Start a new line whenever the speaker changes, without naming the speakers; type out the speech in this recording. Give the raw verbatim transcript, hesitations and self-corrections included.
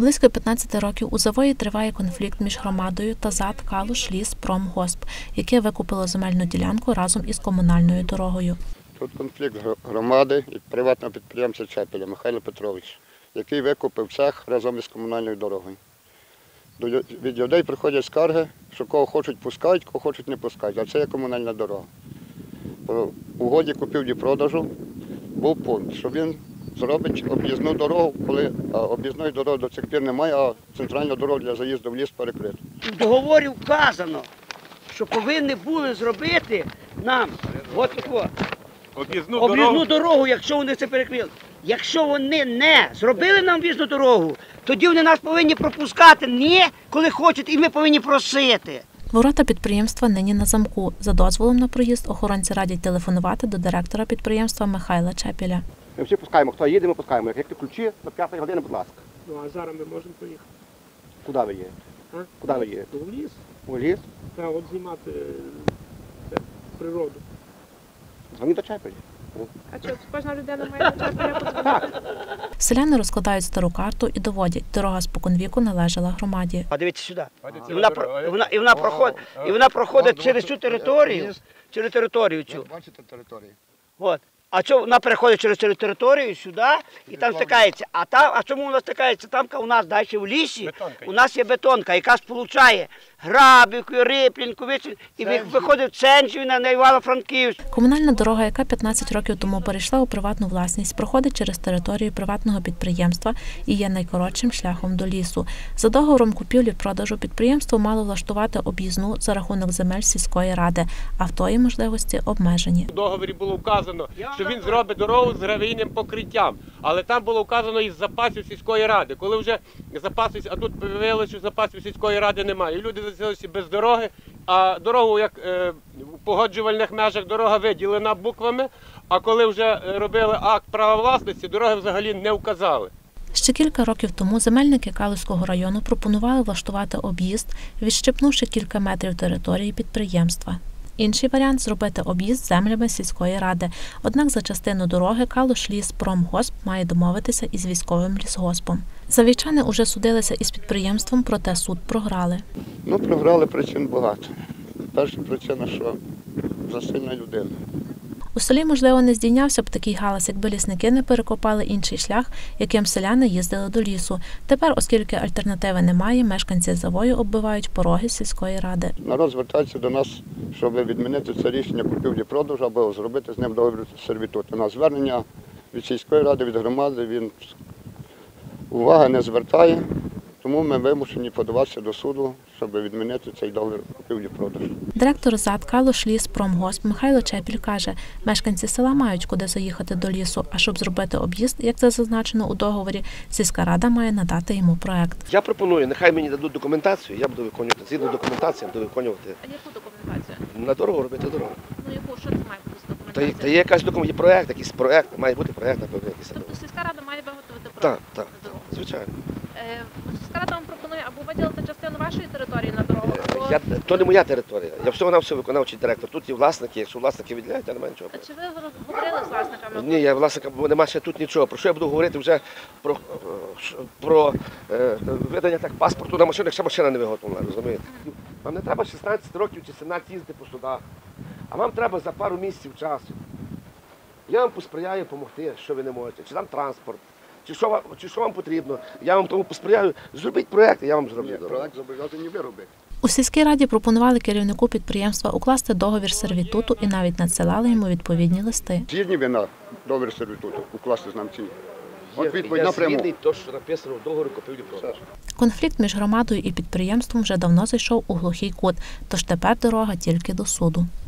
Близько п'ятнадцяти років у Завої триває конфлікт між громадою та ЗАД «Калуш-Ліс-Промгосп», яке викупило земельну ділянку разом із комунальною дорогою.
Тут конфлікт громади і приватного підприємця Чепеля Михайла Петровича, який викупив цех разом із комунальною дорогою. Від людей приходять скарги, що кого хочуть пускають, кого хочуть не пускають, а це є комунальна дорога. По угоді купівлі-продажу був пункт, що він зробить об'їзну дорогу, коли об'їзної дороги до цих пір немає, а центральна дорога для заїзду в ліс перекрита.
В договорі вказано, що повинні були зробити нам от таку
об'їзну
дорогу. дорогу, якщо вони це перекрили. Якщо вони не зробили нам об'їзну дорогу, тоді вони нас повинні пропускати не коли хочуть, і ми повинні просити.
Ворота підприємства нині на замку. За дозволом на проїзд охоронці радять телефонувати до директора підприємства Михайла Чепеля.
Ми всі пускаємо, хто їде, ми пускаємо. Як ти ключі, до п'ятої години, будь ласка.
Ну, а зараз ми можемо поїхати.
Куди ви є?
А?
Куди ви є?
В ліс.
У ліс?
Та от знімати це, природу.
Дзвоніть до Чепеля.
А що, кожна людина має до Чепеля подзвонити?
Селяни розкладають стару карту і доводять, дорога споконвіку належала громаді.
А дивіться сюди. І вона, і вона, і вона, проходить, і вона проходить через цю територію, через територію цю.
Бачите територію?
От. А що вона переходить через цю територію сюди і там стикається. А там, а чому вона стикається? Там у нас далі в лісі, у нас є бетонка, яка сполучає Грабівку, Риплінку, і виходить в Ценжів на Івано-Франківськ.
Комунальна дорога, яка п'ятнадцять років тому перейшла у приватну власність, проходить через територію приватного підприємства і є найкоротшим шляхом до лісу. За договором купівлі-продажу підприємство мало влаштувати об'їзну за рахунок земель сільської ради, а в тої можливості обмежені.
У договорі було вказано, що він зробить дорогу з гравійним покриттям, але там було вказано із запасів сільської ради. Коли вже запасів, а тут виявилося, що запасів сільської ради немає. І люди залишилися без дороги, а дорогу, як е, в погоджувальних межах, дорога виділена буквами, а коли вже робили акт права власності, дороги взагалі не вказали.
Ще кілька років тому земельники Калузького району пропонували влаштувати об'їзд, відщепнувши кілька метрів території підприємства. Інший варіант – зробити об'їзд землями сільської ради. Однак за частину дороги Калуш-Ліс-Промгосп має домовитися із військовим лісгоспом. Завійчани уже судилися із підприємством, проте суд програли.
Ну, програли причин багато. Перша причина, що засильна людина.
У селі, можливо, не здійнявся б такий галас, якби лісники не перекопали інший шлях, яким селяни їздили до лісу. Тепер, оскільки альтернативи немає, мешканці Завою оббивають пороги сільської ради.
Народ звертається до нас, щоб відмінити це рішення купівлі-продажу або зробити з ним договір сервітуту. На звернення від сільської ради, від громади він уваги не звертає, тому ми вимушені подаватися до суду, щоб відмінити цей договір купівлі-продажу.
Директор ЗАД «Калуш-Ліс-Промгосп» Михайло Чепіль каже, мешканці села мають куди заїхати до лісу, а щоб зробити об'їзд, як це зазначено у договорі, сільська рада має надати йому проект.
Я пропоную, нехай мені дадуть документацію, я буду виконувати. Згідно документації, я буду виконувати.
А яку документацію?
На дорогу робити дорогу.
Ну яку, що це має бути з
Та,
документацією?
та є якась документація, є проєкт, якийсь проєкт, має бути проєкт, напевно, якийсь.
Тобто сільська рада має виготовити
Так,
проект
так,
на дорогу?
звичайно.
Е, Сільська рада вам пропонує або виділити частину вашої території на дорогу, або...
Я, то не моя територія, я всього на все виконавчий директор. Тут є власники, якщо власники відділяють, я не маю нічого.
Чи ви говорили з власниками?
Ні, я власника, бо немає ще тут нічого. Про що я буду говорити вже про, про е, видання так паспорту на машину, якщо машина не виготовлена, розумієте? Вам не треба шістнадцять років чи сімнадцять їздити по судах, а вам треба за пару місяців часу. Я вам посприяю допомогти, що ви не можете, чи там транспорт, чи що вам, чи що вам потрібно. Я вам тому посприяю, зробіть проєкт, і я вам зроблю.
Проект зобов'язані ви робити.
У сільській раді пропонували керівнику підприємства укласти договір сервітуту і навіть надсилали йому відповідні листи.
Згідні ви на договір сервітуту укласти з нами ці? От відповідь
Я
напряму.
згідний, то, що написано в договорі купівлі-продажу.
Конфлікт між громадою і підприємством вже давно зайшов у глухий кут, тож тепер дорога тільки до суду.